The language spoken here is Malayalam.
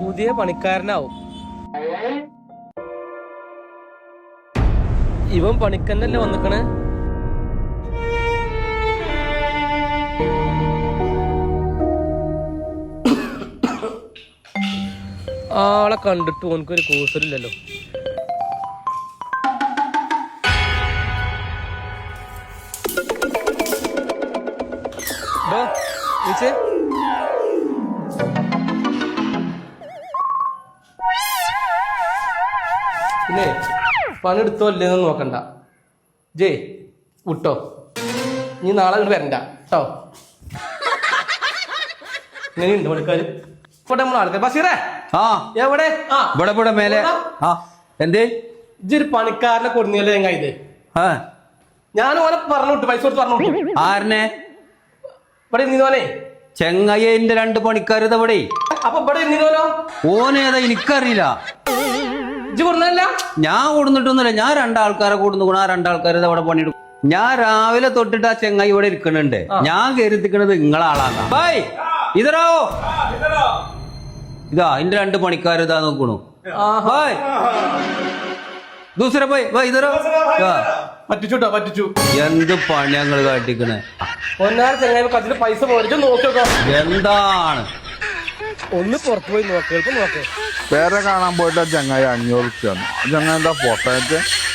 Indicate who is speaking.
Speaker 1: പുതിയ പണിക്കാരനാവും. ഇവൻ പണിക്കന്നല്ലേ വന്നിക്കണേ. ആളെ കണ്ടിട്ട് ഓനക്കൊരു കൂസലില്ലല്ലോ. പിന്നെ പണിയെടുത്തോ ഇല്ലെന്ന് നോക്കണ്ട. ജയ് വിട്ടോ, നീ നാളെ ഇങ്ങോട്ട് വരണ്ട കേട്ടോ. ഇങ്ങനെയുണ്ട് പണിക്കാര്. ഇവിടെ നമ്മൾ ആൾക്കാർ ബഷീറേ എവിടെ?
Speaker 2: ഇവിടെ മേലെ എന്തേ
Speaker 1: ഇതൊരു പണിക്കാരനെ കൊടുന്നല്ലേ ഞങ്ങ ഇത്. ഞാൻ ഓനെ പറഞ്ഞു വിട്ടു, പൈസ കൊടുത്ത് പറഞ്ഞു വിട്ടു.
Speaker 2: ആരനെ?
Speaker 1: ഇവിടെ ഇരുന്നോനെ
Speaker 2: ചെങ്ങയ്യന്റെ 2 പണിക്കാരത് ഇവിടെ.
Speaker 1: അപ്പൊ ഇവിടെ ഇരുന്നോലോ?
Speaker 2: ഓനേതാ എനിക്കറിയില്ല.
Speaker 1: ഇജ്ജ് കൊടുന്നല്ല?
Speaker 2: ഞാൻ കൊടുന്നിട്ടൊന്നുമില്ല. ഞാൻ 2 ആൾക്കാരെ കൊടുന്നു. ആ 2 ആൾക്കാരത് അവിടെ പണിയെടുക്കും. ഞാൻ രാവിലെ തൊട്ടിട്ട് ആ ചെങ്ങായി ഇവിടെ ഇരിക്കണുണ്ട്. ഞാൻ കരുതിക്കണത് നിങ്ങളാളാണ്. ബൈ ഇതറോ, ഇതാ എന്റെ 2 പണിക്കാരിതാ നോക്കണു. ബൈ ദൂസര ബൈ ബൈ ഇതറോ.
Speaker 1: പറ്റിച്ചുട്ടോ, പറ്റിച്ചു.
Speaker 2: എന്ത് പണി ഞങ്ങൾ കാട്ടിക്കണേ.
Speaker 1: ചെങ്ങായി പൈസ പോയിട്ട് നോക്കിയോ.
Speaker 2: എന്താണ്
Speaker 1: ഒന്ന് പുറത്തു പോയി നോക്ക്, നോക്ക്.
Speaker 3: പേരെ കാണാൻ പോയിട്ട് ചങ്ങായി 500 ചങ്ങായി എന്താ പൊട്ടയറ്റ്